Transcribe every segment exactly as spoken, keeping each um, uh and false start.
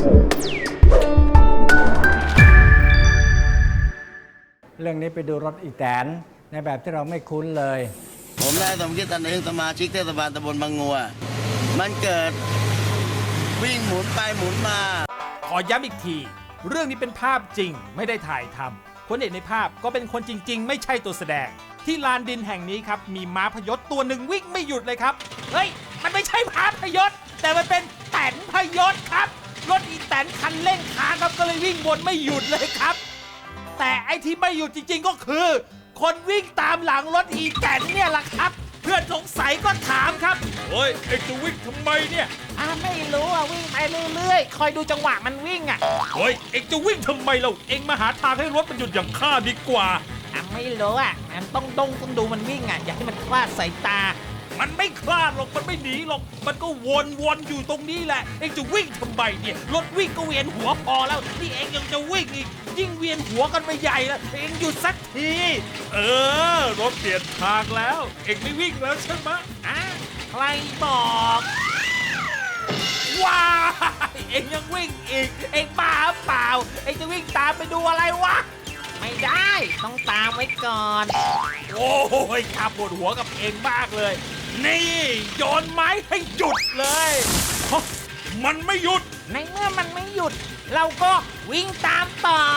เรื่องนี้ไปดูรถอีแตนในแบบที่เราไม่คุ้นเลยผมนายสมคิดตันเองสมาชิกเทศบาลตำบลบางงัวมันเกิดวิ่งหมุนไปหมุนมาขอย้ำอีกทีเรื่องนี้เป็นภาพจริงไม่ได้ถ่ายทำคนเห็นในภาพก็เป็นคนจริงๆไม่ใช่ตัวแสดงที่ลานดินแห่งนี้ครับมีม้าพยศตัวหนึ่งวิ่งไม่หยุดเลยครับเฮ้ยมันไม่ใช่ม้าพยศแต่มันเป็นแตนพยศครับรถอีแตนคันเร่งค้างครับก็เลยวิ่งวนไม่หยุดเลยครับแต่ไอ้ที่ไม่หยุดจริงๆก็คือคนวิ่งตามหลังรถอีแตนเนี่ยแหละครับเพื่อนสงสัยก็ถามครับเฮ้ยไอ้จะวิ่งทำไมเนี่ยอ่าไม่รู้อ่ะวิ่งไปเรื่อยๆคอยดูจังหวะมันวิ่งอ่ะเฮ้ยเอ็งจะวิ่งทำไมเราเอ็งมาหาทางให้รถมันหยุดอย่างข้าดีกว่าอ่ะไม่รู้อ่ะมันต้องดงต้องดูมันวิ่งอ่ะอย่าให้มันคลาดสายตามันไม่คลาดหรอกมันไม่หนีหรอกมันก็วนๆอยู่ตรงนี้แหละเอ็งจะวิ่งทำไมเนี่ยรถวิ่งก็เวียนหัวพอแล้วนี่เอ็งยังจะวิ่งอีกยิ่งเวียนหัวกันไปใหญ่แล้วเอ็งหยุดสักทีเออรถเปลี่ยนทางแล้วเอ็งไม่วิ่งแล้วใช่ไหมอ่ะใครบอกว้าเอ็งยังวิ่งอีกเอ็งบ้าเปล่าเอ็งจะวิ่งตามไปดูอะไรวะไม่ได้ต้องตามไว้ก่อนโอ้ยข้าปวดหัวกับเอ็งมากเลยนี่โยนไม้ให้หยุดเลยมันไม่หยุดในเมื่อมันไม่หยุดเราก็วิ่งตามต่อ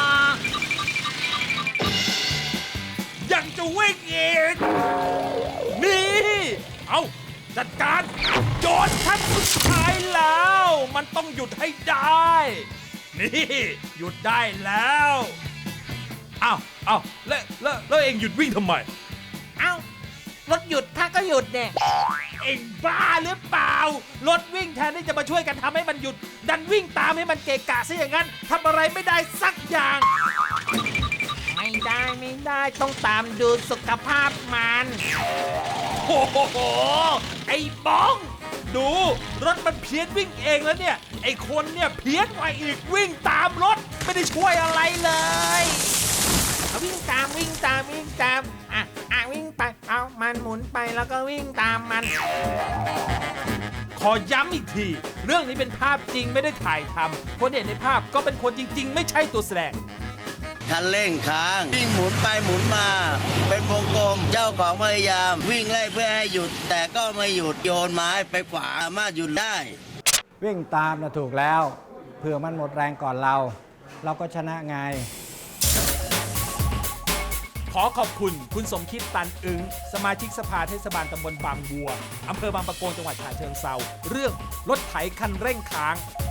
ยังจะวิ่งอีกนี่เอาจัดการโยนทับสุดท้ายแล้วมันต้องหยุดให้ได้นี่หยุดได้แล้วอ้าวอ้าวแล้วแล้วแล้วเอ็งหยุดวิ่งทำไมอ้าวรถหยุดถ้าก็หยุดเนี่ยเอ็งบ้าหรือเปล่ารถวิ่งแทนที่จะมาช่วยกันทำให้มันหยุดดันวิ่งตามให้มันเกะกะซะอย่างนั้นทำอะไรไม่ได้สักอย่างไม่ได้ไม่ได้ต้องตามดูสุขภาพมันโอ้โหไอ้บ้องดูรถมันเพี้ยนวิ่งเองแล้วเนี่ยไอ้คนเนี่ยเพี้ยนกว่าอีกวิ่งตามรถไม่ได้ช่วยอะไรเลยวิ่งตามวิ่งตามวิ่งตามอ่ะอ่ะวิ่งไปเอามันหมุนไปแล้วก็วิ่งตามมันขอย้ำอีกทีเรื่องนี้เป็นภาพจริงไม่ได้ถ่ายทำคนเห็นในภาพก็เป็นคนจริงๆไม่ใช่ตัวแสดงคันเร่งค้างวิ่งหมุนไปหมุนมาเป็นวงกลมเจ้าของพยายามวิ่งไล่เพื่อให้หยุดแต่ก็ไม่หยุดโยนไม้ไปขวาสามารถหยุดได้วิ่งตามนะถูกแล้วเผื่อมันหมดแรงก่อนเราเราก็ชนะไงขอขอบคุณคุณสมคิดตันอึ้งสมาชิกสภาเทศบาลตำบลบางบัวอำเภอบางปะโกงจังหวัดฉะเชิงเทราเรื่องรถไถคันเร่งค้าง